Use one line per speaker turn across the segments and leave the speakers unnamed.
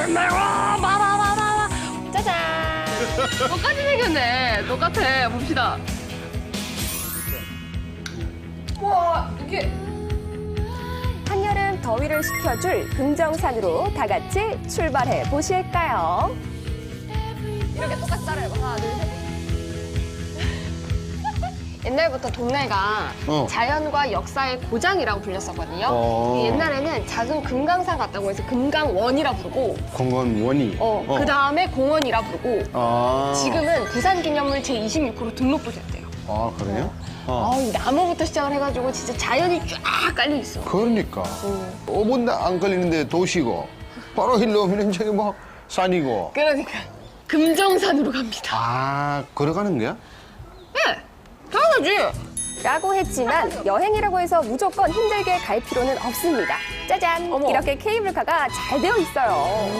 생겼나요? 봐봐. 짜잔. 똑같이 생겼네. 똑같아. 봅시다. 와, 이게.
한여름 더위를 식혀줄 금정산으로 다 같이 출발해 보실까요?
이렇게 똑같이 따라해봐. 하나, 둘, 셋. 옛날부터 동네가 자연과 역사의 고장이라고 불렸었거든요. 옛날에는 작은 금강산 같다고 해서 금강원이라 부르고
공원원이.
그 다음에 공원이라 부르고
아.
지금은 부산기념물 제26호로 등록도 됐대요.
아, 그래요?
이 나무부터 시작을 해가지고 진짜 자연이 쫙 깔려 있어.
그러니까. 5분도 안 걸리는데 도시고, 바로 일로 오면 저기 뭐 산이고.
그러니까 금정산으로 갑니다.
아, 걸어가는 거야?
네, 당연하지.
라고 했지만 여행이라고 해서 무조건 힘들게 갈 필요는 없습니다. 짜잔!
어머.
이렇게 케이블카가 잘 되어 있어요.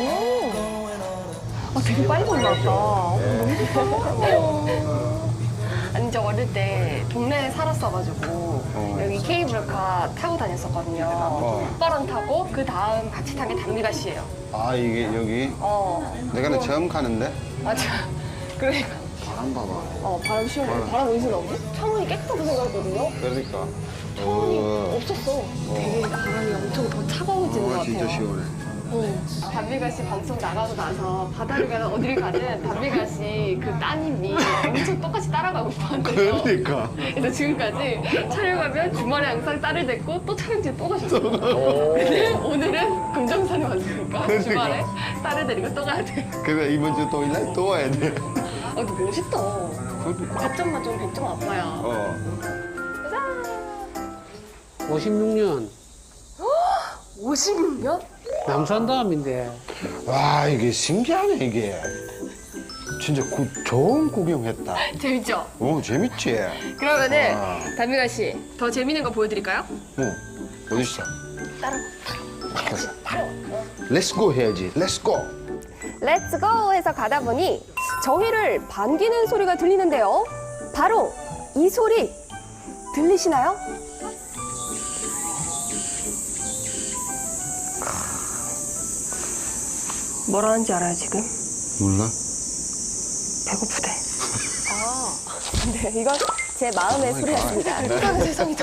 되게 빨리 올라왔다. 너무 좋다. 아니, 저 어릴 때 동네에 살았어가지고 여기 케이블카 타고 다녔었거든요. 오빠랑 타고 그 다음 같이 탄 게 담비가 씨예요.
아, 이게 여기? 내가 나 처음 가는데?
맞아. 그러니까.
바람 봐봐.
바람 시원해. 바람 어디서 나오지? 창문이 깨끗하고 생각했거든요.
그러니까.
창문이 없었어. 되게 바람이 엄청 더 차가워지는 것 같아요.
진짜 시원해.
담비가 씨 방송 나가고 나서 바다를 가든 어디를 가든 담비가 씨 그 따님이 엄청 똑같이 따라가고 싶어한대요.
그러니까.
그래서 지금까지 촬영하면 주말에 항상 딸을 데리고 또 촬영지에 또 가셨어요. 근데 오늘은 금정산에 왔으니까
그러니까.
주말에 딸을 데리고 또 가야 돼.
그래, 이번 주 토요일날 또 와야 돼.
근데 멋있다.
그러니까.
100점 만점 100점 아빠야.
56년
56년?
남산다음인데
와, 이게 신기하네, 이게. 진짜 좋은 구경했다.
재밌죠?
재밌지?
그러면은 담비가 씨 더 재밌는 거 보여드릴까요?
어디 있어? 렛츠고 해야지. 렛츠고.
렛츠고 해서 가다 보니 저희를 반기는 소리가 들리는데요. 바로 이 소리 들리시나요? 뭐라 하는지 알아요, 지금?
몰라?
배고프대. 네, 이건 제 마음의 소리였습니다.
세상에 세상이다.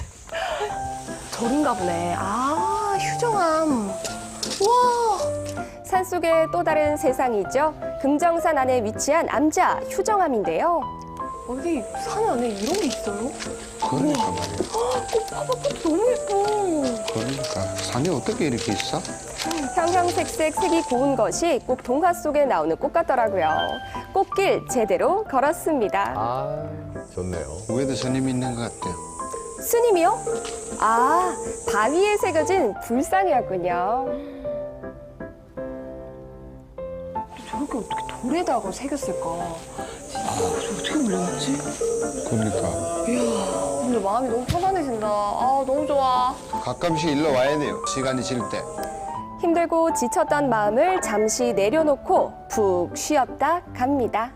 저긴가 보네. 휴정암. 와! 산속의 또 다른 세상이죠. 금정산 안에 위치한 암자 휴정암인데요.
어디 산 안에 이런 게 있어요?
그러니까 말이야.
봐봐, 꽃 너무 예뻐.
그러니까. 산이 어떻게 이렇게 있어?
형형색색 색이 고운 것이 꼭 동화 속에 나오는 꽃 같더라고요. 꽃길 제대로 걸었습니다.
아, 좋네요.
위에도 스님 있는 것 같아요.
스님이요? 바위에 새겨진 불상이었군요.
저렇게 어떻게 돌에다가 새겼을까? 진짜 어떻게 올려놨지?
그러니까.
근데 마음이 너무 편안해진다. 너무 좋아.
가끔씩 일로 와야 돼요. 시간이 질 때.
힘들고 지쳤던 마음을 잠시 내려놓고 푹 쉬었다 갑니다.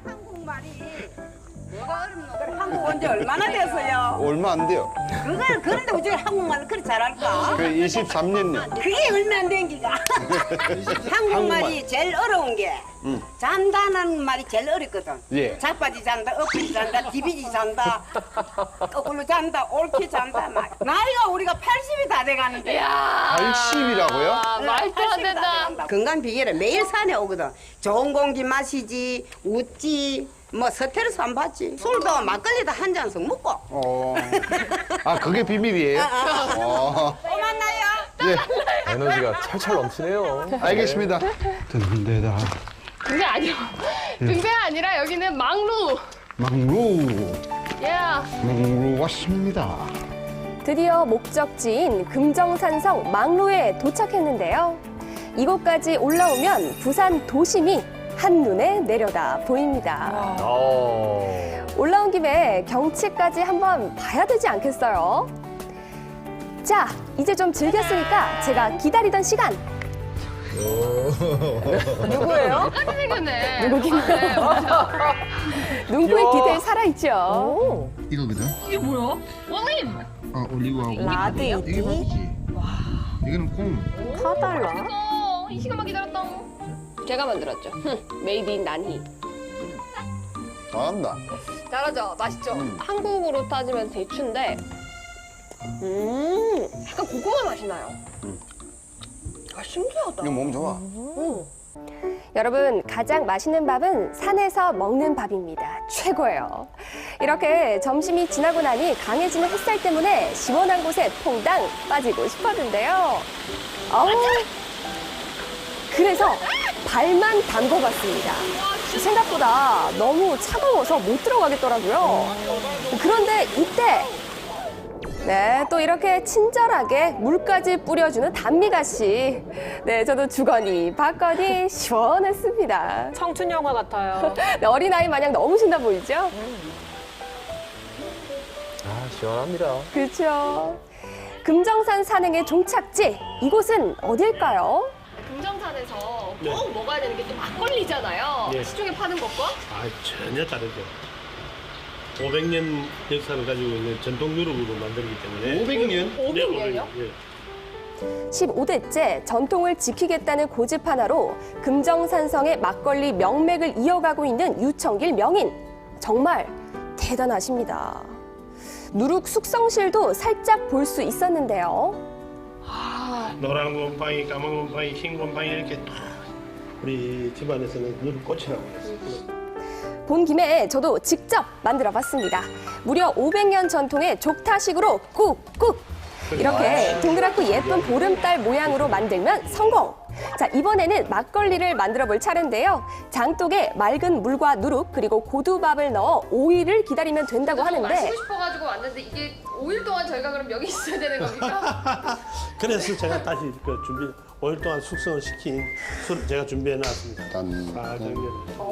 한국 온 지 얼마나 됐어요?
얼마 안 돼요.
그런데 어떻게 한국말을 그렇게 잘할까?
그 23년요.
그게 얼마 안 된 기가. 한국말이 제일 어려운 게 잔다는 말이 제일 어렵거든.
예.
자빠지 잔다, 엎지 잔다, 디비지 잔다, 거꾸로 잔다, 옳게 잔다. 나이가 우리가 80이 다 돼가는데.
80이라고요?
말도 안 된다.
건강 비결은 매일 산에 오거든. 좋은 공기 마시지, 웃지. 뭐 스트레스 안 받지. 술도 막걸리도 한 잔씩 먹고.
그게 비밀이에요?
또 만나요.
예,
에너지가 찰찰 넘치네요.
알겠습니다. 듣는 데다.
그게 아니야. 그게 아니라 여기는 망루.
망루.
야.
망루 왔습니다.
드디어 목적지인 금정산성 망루에 도착했는데요. 이곳까지 올라오면 부산 도심이 한눈에 내려다 보입니다. 올라온 김에 경치까지 한번 봐야 되지 않겠어요? 자, 이제 좀 즐겼으니까 제가 기다리던 시간. 누구예요?
똑같이 생겼네.
누구긴가요? 눈코에 디테일 살아있죠?
이거거든?
이게 뭐야? 올림.
올리브하고.
라드
이게 맞지? 이거는 콩.
커달라.
이 시간만 기다렸다. 제가 만들었죠. 메이드 인 난희.
잘한다.
잘하죠? 맛있죠? 한국으로 따지면 대추인데, 약간 고구마 맛이 나요. 아, 신기하다.
이거 몸 좋아.
여러분, 가장 맛있는 밥은 산에서 먹는 밥입니다. 최고예요. 이렇게 점심이 지나고 나니 강해지는 햇살 때문에 시원한 곳에 퐁당 빠지고 싶었는데요. 그래서 발만 담궈봤습니다. 생각보다 너무 차가워서 못 들어가겠더라고요. 그런데 이때 네, 또 이렇게 친절하게 물까지 뿌려주는 단미가씨. 네, 저도 주거니 받거니 시원했습니다.
청춘 영화 같아요.
네, 어린아이 마냥 너무 신나 보이죠?
아, 시원합니다.
그렇죠. 금정산 산행의 종착지, 이곳은 어딜까요?
금정산에서 꼭 먹어야 되는 게 또 막걸리잖아요.
네.
시중에 파는 것과.
아, 전혀 다르죠. 500년 역사를 가지고 있는 전통 유럽으로 만들기 때문에
500년?
500년이요?
예.
15대째 전통을 지키겠다는 고집 하나로 금정산성의 막걸리 명맥을 이어가고 있는 유청길 명인. 정말 대단하십니다. 누룩 숙성실도 살짝 볼 수 있었는데요.
노란 곰팡이, 까만 곰팡이, 흰 곰팡이 이렇게 딱 우리 집안에서는 누룩 꽃이라고 했어요.
본 김에 저도 직접 만들어 봤습니다. 무려 500년 전통의 족타식으로 꾹꾹! 이렇게 동그랗고 예쁜 보름달 모양으로 만들면 성공! 자, 이번에는 막걸리를 만들어 볼 차례인데요. 장독에 맑은 물과 누룩 그리고 고두밥을 넣어 5일을 기다리면 된다고 하는데
마시고 싶어가지고 왔는데 이게 5일 동안 저희가 그럼 여기 있어야 되는 겁니까?
그래서 제가 다시 그 5일 동안 숙성을 시킨 술을 제가 준비해 놨습니다.
단.
아, 정말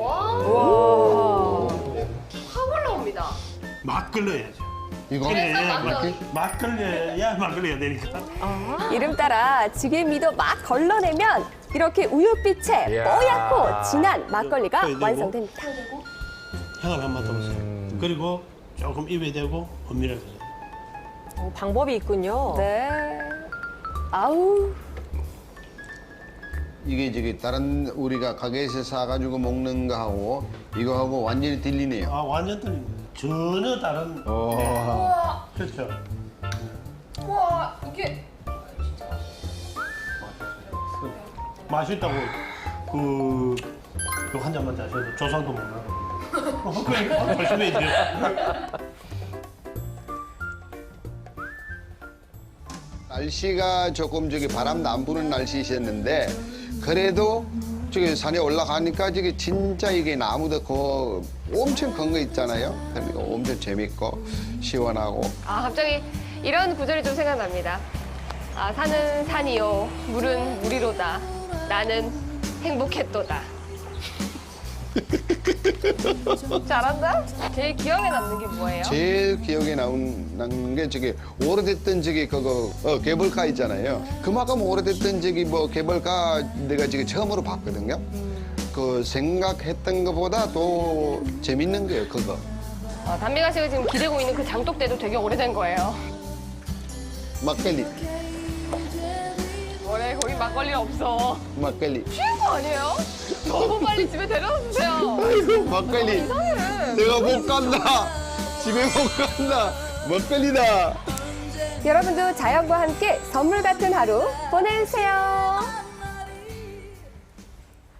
확 올라옵니다.
맛 걸러야죠.
이거?
맛 걸려야 막걸리가 되니까.
이름 따라 지게미도 막 걸러내면 이렇게 우유빛의
이야.
뽀얗고 진한 막걸리가
그리고
완성됩니다.
향을 한번 더 보세요. 그리고 조금 입에 대고 은밀하게.
방법이 있군요.
네. 아우.
이게 저기 다른 우리가 가게에서 사가지고 먹는 거하고 이거하고 완전히 틀리네요.
아, 완전 틀립니다. 전혀 다른.
어.
그렇죠.
와, 이게
맛있다고 그한 잔만 자셔도 조상도 못 나고. 그러니까 조심해야 돼요.
날씨가 조금 저기 바람도 안 부는 날씨셨는데 그래도 저기 산에 올라가니까 저기 진짜 이게 나무도 엄청 큰 거 있잖아요. 그러니까 엄청 재밌고 시원하고.
아, 갑자기 이런 구절이 좀 생각납니다. 아, 산은 산이요, 물은 물이로다. 나는 행복했도다. 잘한다? 제일 기억에 남는 게 뭐예요?
제일 기억에 남는 게 저기 오래됐던 저기 그거 케이블카 있잖아요. 그만큼 오래됐던 저기 뭐 케이블카 내가 지금 처음으로 봤거든요. 그 생각했던 것보다 더 재밌는 거예요, 그거.
담비가 씨가 지금 기대고 있는 그 장독대도 되게 오래된 거예요.
막걸리,
원래 거기 막걸리 없어.
막걸리.
취한 거 아니에요? 너무 빨리 집에 데려다 주세요.
아이고, 막걸리. 내가 못 간다. 집에 못 간다. 막걸리다.
여러분도 자연과 함께 선물 같은 하루 보내세요.